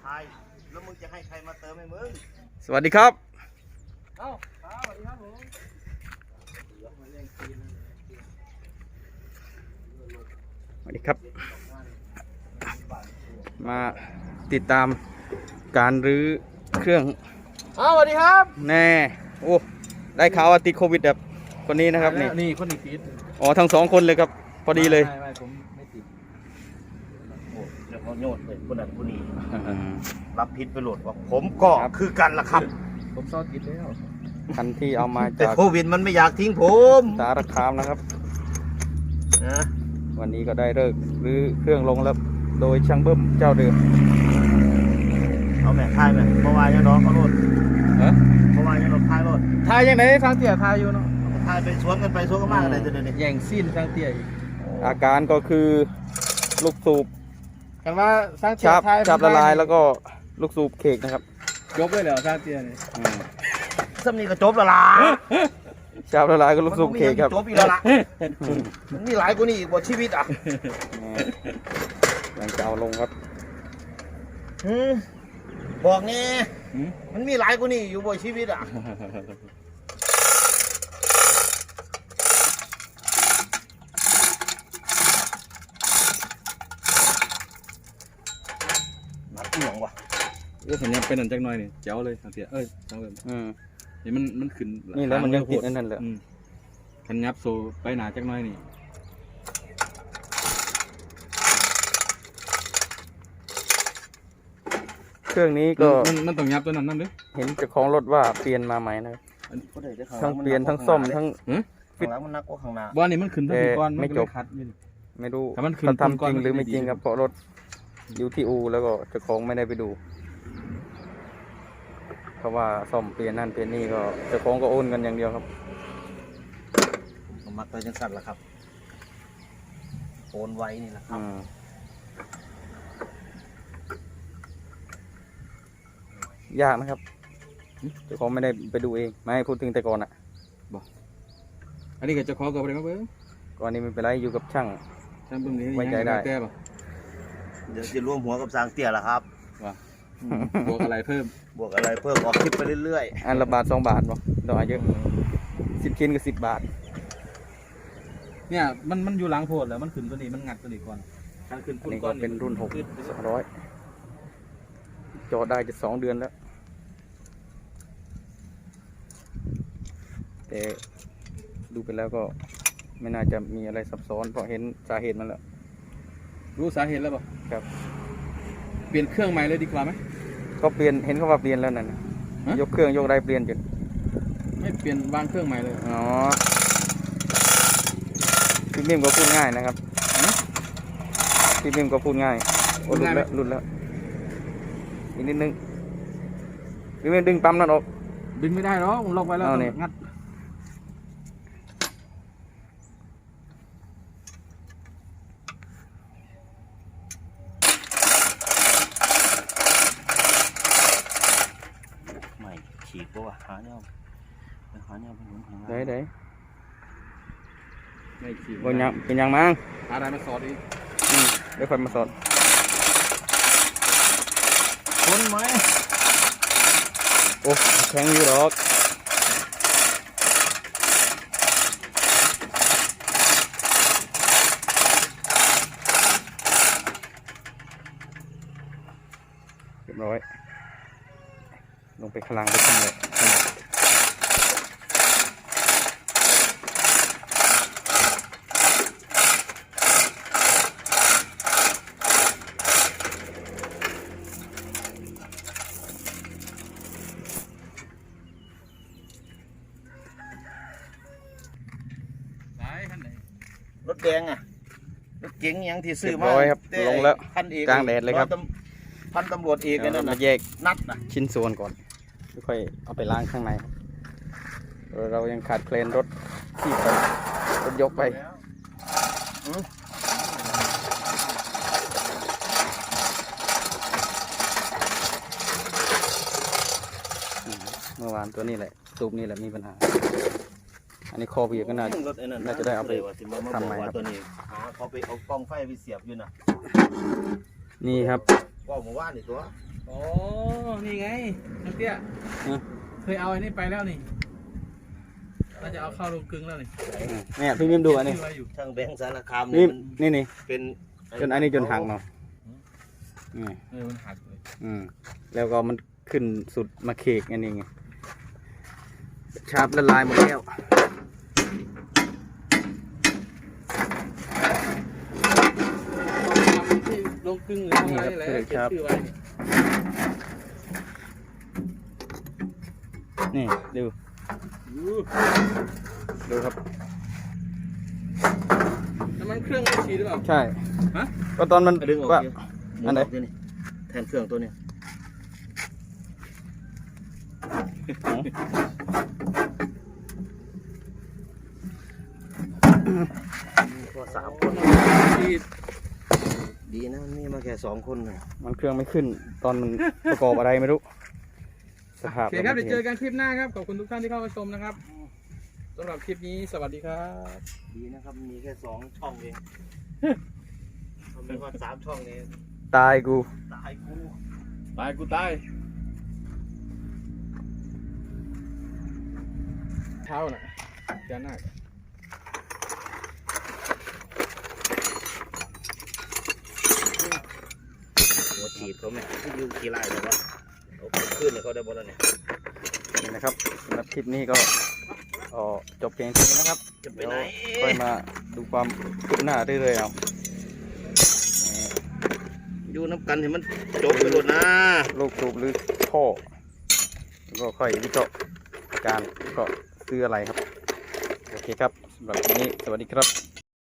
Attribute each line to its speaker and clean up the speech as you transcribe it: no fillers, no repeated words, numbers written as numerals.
Speaker 1: ายแล้วมึงจะให้ใครมาเติมให้มึง
Speaker 2: สวัสดีครับ
Speaker 3: เอ้าสวัสดีครับผม
Speaker 2: สวัสดีครับมาติดตามการรื้อเครื่อง
Speaker 3: สวัสดีครับ
Speaker 2: แน่โอ้ได้ข่าวว่าติดโควิดแบบคนนี้นะครับ
Speaker 3: นี่คนนี้ติด
Speaker 2: อ๋อทั้งสองคนเลยครับพอดีเลย
Speaker 3: ไม่ผมไม่ติด
Speaker 1: โอ้เดี๋ยวเขาโยนไปคนนั้นคนนี้รับพิษไปโหลดว่าผมก็คือกันล่ะครับ
Speaker 3: ผมซ่อนติดแล้ว
Speaker 2: คันที่เอามา
Speaker 1: แต่
Speaker 2: จาก
Speaker 1: โควิดมันไม่อยากทิ้งผม
Speaker 2: สารคามนะครับ
Speaker 1: นะ
Speaker 2: วันนี้ก็ได้เลิกรื้อเครื่องลงแล้วโดยช่างเบิ้มเจ้าเดิม
Speaker 1: เอาแม่ทายแม่เมื่อวานยังน้องเขาโหลดเมื่อวานยังน้องทายโหลด
Speaker 3: ทายยังไงฟังเตี่ยทายอยู่เนาะ
Speaker 1: ทายไปสวนกันไปสวนกันมากเลยเดี๋ยวนี้
Speaker 3: แย่งซีนฟังเตี่ยอีก
Speaker 2: อาการก็คือลูกสูบ
Speaker 3: กันว่าฟังเตี่ยทาย
Speaker 2: จับละลายแล้วก็ลูกสูบเค้กนะครับ
Speaker 3: จบเลยเหรอฟังเตี่ยนี่
Speaker 1: ซ้ำนี่ก็จบละล่ะ
Speaker 2: จับละลายก็ลูกสูบเค้กครับ
Speaker 1: จบอีกแล้วล่ะมันมีหลายกว่านี้อีกบทชีวิตอ่ะ
Speaker 2: ยังจะเอาลงครับ
Speaker 1: บอกนี่มันมีหลายกว่านี้อยู่บนชีวิตอ่ะนัดเหนียงว่ะ
Speaker 3: สัญญาณเป็นอันจักหน่อยนี่เจ๋วเลยสังเกตจังเลยเห็นมันขึ้น
Speaker 2: นี่แล้วมันยังติดนั่นแหละ
Speaker 3: ขันยับโซไปหนาจักหน่อยนี่
Speaker 2: เครื่องนี้ก็
Speaker 3: มันต้องยับตัวนั้นนั่นด้วย
Speaker 2: เห็นเจ้าของรถว่าเปลี่ยนมาใหม่นะทั้งเปลี่ยนทั้งซ่อมทั้ง
Speaker 1: ฟิตมันนักกว่าข้างหน้า
Speaker 3: บ้านนี้มันขึ้นทั้งก้อน
Speaker 2: ไม่จบไม่รู้เขาทำจริงหรือไม่จริงครับเพราะรถอยู่ที่อูแล้วก็เจ้าของไม่ได้ไปดูเพราะว่าซ่อมเปลี่ยนนั่นเปลี่ยนนี่ก็เจ้าของก็โอนกันอย่างเดียวครับ
Speaker 1: มักไปจังสัตว์ละครับโอนไว้นี่แหละครับ
Speaker 2: ยากนะครับเจ้าของไม่ได้ไปดูเองไม่ให้พูดถึงแต่ก่อนอ่ะ
Speaker 3: บอกอันนี้กับเจ้าของก็ไปไหนมาเบิ้ง
Speaker 2: ก่อนนี้ไม่เป็นไรอยู่กับช่าง
Speaker 3: เบิ้งนี้
Speaker 2: ไว้ใจได้
Speaker 1: เดี๋ยวจะร่วมหัวกับสางเตี้ยละครับ
Speaker 3: ว่าบวกอะไรเพิ่ม
Speaker 1: ออกคลิปไปเรื่อย
Speaker 2: ๆอันละบาท2 บาทเนาะดอกเยอะ10 ชิ้นก็10 บาท
Speaker 3: เนี่ยมันอยู่หลังโพดแล้วมันขึ้นตัวนี้มันงัดตัวนี้ก่อน
Speaker 2: การขึ้นนี่ก็เป็นรุ่น6 200จอดได้จะ2 เดือนแล้วแต่ดูไปแล้วก็ไม่น่าจะมีอะไรซับซ้อนเพราะเห็นสาเหตุมันแล้ว
Speaker 3: รู้สาเหตุแล้วป่ะ
Speaker 2: ครับ
Speaker 3: เปลี่ยนเครื่องใหม่เลยดีกว่าไหม
Speaker 2: ก็เปลี่ยนเห็นเขาว่าเปลี่ยนแล้วนั่นยกเครื่องยกได้เปลี่ยนจน
Speaker 3: ไม่เปลี่ยนวางเครื่องใหม่เลย
Speaker 2: อ๋อพี่นิ่มก็พูดง่ายนะครับพี่นิ่มก็พูดง่ายรุ่นแล้วอีกนิดนึงพี่นิ่มดึงปั๊มนั่นออก
Speaker 3: ดึงไม่ได้หรอกลงไปแล้วงัด
Speaker 1: ไม่ฉีกปะวะหาเนี่ยเป็นหนุนข้างหน้า
Speaker 2: ได้
Speaker 3: ไม่ฉีก
Speaker 2: เป็นยังมั้ง
Speaker 3: อะไรมาสอดอีก
Speaker 2: เดี๋ยวค่อยมาสอด
Speaker 1: ทนไหม
Speaker 2: โอ้แข็งอยู่หรอกเรียบร้อยลงไปข้างล่างไปขึ้นเลย
Speaker 1: รถแดงอ่ะรถเก๋งยังที่ซื้อมา
Speaker 2: ครับลงแล้วกลางแดดเลยครับ
Speaker 1: พันตำรวจเอกกันนั่นนะ
Speaker 2: แยก
Speaker 1: นัดนะ
Speaker 2: ชิ้นส่วนก่อนค่อยเอาไปล้างข้างในเรายังขาดเคลนรถที่ไปรถยกไปเมื่อวานตัวนี้แหละสูบนี่แหละมีปัญหาอันนี้คอเบียก็น่าจะได้เอาไปทำใหม่ครับ
Speaker 1: ตัวนี้เขาไปเอากล้องไฟไปเสียบอยู่นะ
Speaker 2: นี่ครับ
Speaker 1: ก็หมู่บ้านนี่ตัว
Speaker 3: อ๋อนี่ไงน้องเตี้ยเคยเอาอันนี้ไปแล้วนี่เราจะเอาเข้าโรงกลึงแล้วนี่
Speaker 2: เนี่ยพี่มิมดูอันนี้
Speaker 3: ชื่ออะไรอยู่
Speaker 1: ช่างแบงค์สารคาม
Speaker 2: นี่
Speaker 1: มัน
Speaker 2: นี่
Speaker 1: เป็น
Speaker 2: จนอันนี้จนหักเนาะอืม
Speaker 3: มันหักเลย
Speaker 2: แล้วก็มันขึ้นสุดมาเคกอันนี้ไงชาร์ปละลายหมดแล้ว
Speaker 3: ที่โรงกลึงหรืออะไรนี่แหละเขียนชื่อไว้นี่
Speaker 2: นี่ดูดูครับ
Speaker 3: น้ำมันเครื่องไม่ฉีดหรือเปล่า
Speaker 2: ใช่
Speaker 3: ฮะ
Speaker 2: ก็ตอนมัน
Speaker 1: ดึงออก
Speaker 2: ว่า
Speaker 1: ดิหมุ
Speaker 2: อันไหน
Speaker 1: ออกดินี่แทนเครื่องตัวเนี้ยก็3 คน
Speaker 3: ฉีด
Speaker 1: ดีนะนี่มาแค่2 คนน่ะ
Speaker 2: มันเครื่องไม่ขึ้น ตอนมันประกอบอะไรไม่รู้สภาพ
Speaker 3: โอเคครับเดี๋ยวเจอกันคลิปหน้าครับขอบคุณทุกท่านที่เข้ามาชมนะครับสำหรับคลิปนี้สวัสดีครับ
Speaker 1: ดีนะครับมีแค่2 ช่องเองทำไมว่า3 ช่องนี้
Speaker 2: ตายกู
Speaker 1: ตายกู
Speaker 3: ตายกูตายเท้าน่ะเจ้าหน้า
Speaker 1: หัวฉีดเขาไหมที่อยู่กี่ไร่แต่ว่าเอาไปขึ้นเนี่ยเขาได้หมดแล้วเนี่ย
Speaker 2: นี่นะครับสำหรับคลิปนี้ก็จบเพียงเท่านี้นะครับ
Speaker 1: จะไป
Speaker 2: เดี๋ยว
Speaker 1: ไหน
Speaker 2: ค่อยมาดูความคืบหน้าเรื่อยๆเอา
Speaker 1: อยู่น้ำกันให้มันจบไปหมดนะ
Speaker 2: ลูกสูบหรือท่อแล้วก็ค่อยวิเคราะห์อาการก็ซื้ออะไรครับ โอเคครับสำหรับวันนี้สวัสดีครับ